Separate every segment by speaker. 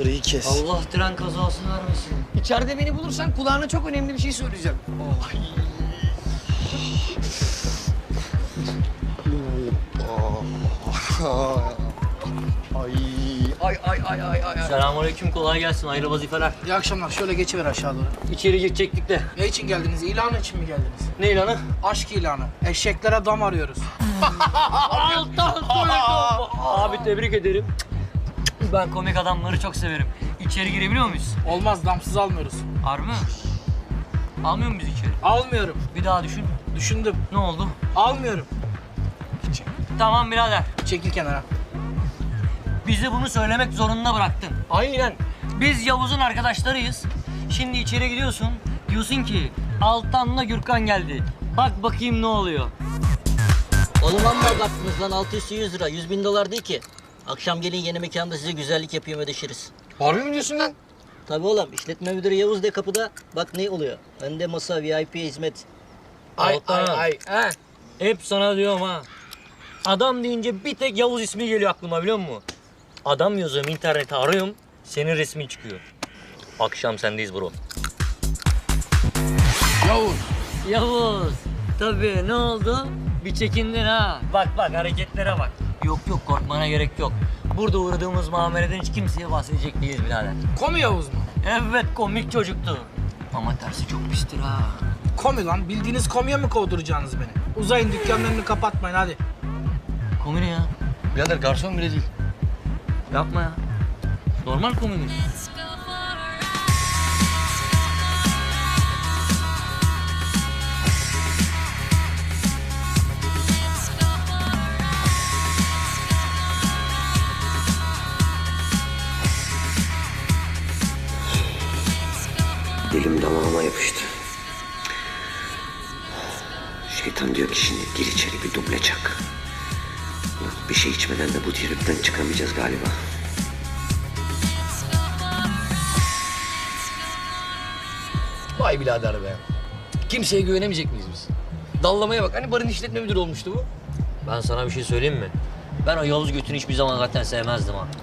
Speaker 1: Sırayı kes.
Speaker 2: Allah tren kazası vermesin.
Speaker 3: İçeride beni bulursan kulağına çok önemli bir şey söyleyeceğim.
Speaker 1: Ay.
Speaker 2: Selamünaleyküm, kolay gelsin. Hayırlı vazifeler.
Speaker 4: İyi akşamlar. Şöyle geçiver aşağı doğru.
Speaker 2: İçeri girecektik de.
Speaker 4: Ne için geldiniz? İlan için mi geldiniz?
Speaker 2: Ne ilanı?
Speaker 4: Aşk ilanı. Eşeklere dam arıyoruz.
Speaker 2: Altan koydum. Abi tebrik ederim. Ben komik adamları çok severim. İçeri girebiliyor muyuz?
Speaker 4: Olmaz, damsız almıyoruz.
Speaker 2: Harbi mi? Almıyor muyuz içeri?
Speaker 4: Almıyorum.
Speaker 2: Bir daha düşün.
Speaker 4: Düşündüm.
Speaker 2: Ne oldu?
Speaker 4: Almıyorum.
Speaker 2: Tamam birader.
Speaker 4: Çekil kenara.
Speaker 2: Bizi bunu söylemek zorunda bıraktın. Aynen. Biz Yavuz'un arkadaşlarıyız. Şimdi içeri gidiyorsun. Diyorsun ki Altan'la Gürkan geldi. Bak bakayım ne oluyor.
Speaker 5: Oğlum amma abarttınız lan, 600 lira, 100.000 dolar değil ki. Akşam gelin yeni mekanda size güzellik yapayım, ödeşiriz.
Speaker 3: Harbi mi diyorsun lan?
Speaker 5: Tabii oğlum, işletme müdürü Yavuz de kapıda. Bak ne oluyor, önde masa, VIP hizmet.
Speaker 2: Altan.
Speaker 3: He.
Speaker 2: Hep sana diyorum ha. Adam deyince bir tek Yavuz ismi geliyor aklıma, biliyor musun? Adam yazıyorum, internete arıyorum, senin resmin çıkıyor. Akşam sendeyiz bro.
Speaker 4: Yavuz.
Speaker 2: Yavuz. Tabii, ne oldu? Bir çekindin ha. Bak hareketlere bak. Yok korkmana gerek yok. Burada uğradığımız muameleden hiç kimseye bahsedecek değiliz birader.
Speaker 4: Komi Yavuz mu?
Speaker 2: Evet, komik çocuktu. Ama tersi çok pistir ha.
Speaker 4: Komi lan. Bildiğiniz komiye mi kovduracaksınız beni? Uzayın, dükkanlarını kapatmayın hadi.
Speaker 2: Komik ne ya?
Speaker 3: Birader garson bile değil.
Speaker 2: Yapma ya. Normal komik mi?
Speaker 6: Dilim damağıma yapıştı. Şeytan diyor ki şimdi gir içeri bir duble çak. Ulan bir şey içmeden de bu tripten çıkamayacağız galiba.
Speaker 3: Vay birader be. Kimseye güvenemeyecek miyiz biz? Dallamaya bak. Hani barın işletme müdürü olmuştu bu.
Speaker 2: Ben sana bir şey söyleyeyim mi? Ben o Yavuz götünü hiçbir zaman zaten sevmezdim ha.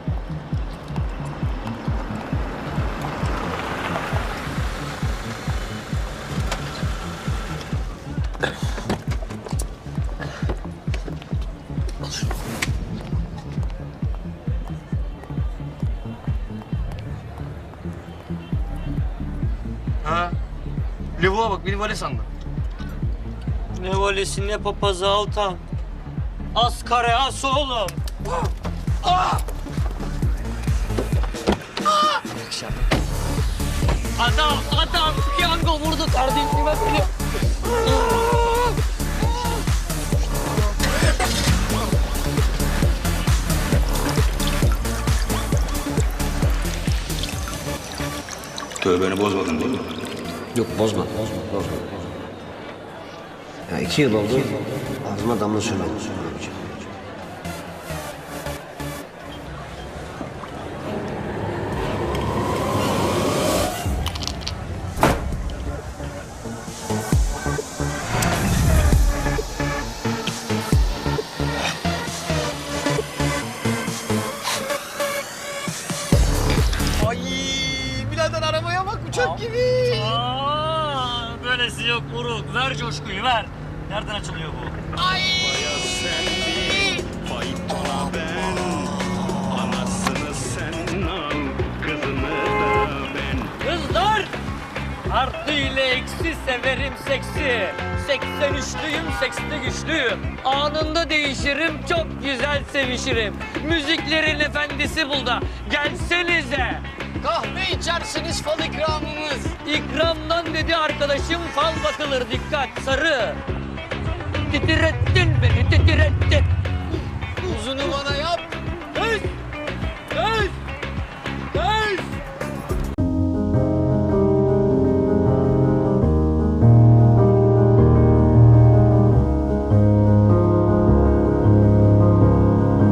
Speaker 3: Ha? Lavuğa bak, beni vale sandı.
Speaker 2: Ne valisi ne papazı Altan. Az kare as oğlum. Adam piyango vurdu kardeşime benim.
Speaker 7: Tövbeni bozmadın değil mi?
Speaker 6: Yok bozma. Ya 2 yıl oldu. Ağzıma damla sürmedim.
Speaker 3: Ay birader arabaya bak, uçak gibi.
Speaker 2: Böylesi yok Uruk. Ver coşkuyu ver. Nereden açılıyor bu?
Speaker 7: Anasını sen al, kızını da ben.
Speaker 2: Kızlar! Artı ile eksi severim seksi. 83'lüyüm, seksli güçlüyüm. Anında değişirim, çok güzel sevişirim. Müziklerin efendisi burada. Gelsenize.
Speaker 3: Kahve içersiniz, fal ikramımız.
Speaker 2: İkramdan dedi arkadaşım, fal bakılır, dikkat sarı. Titrettin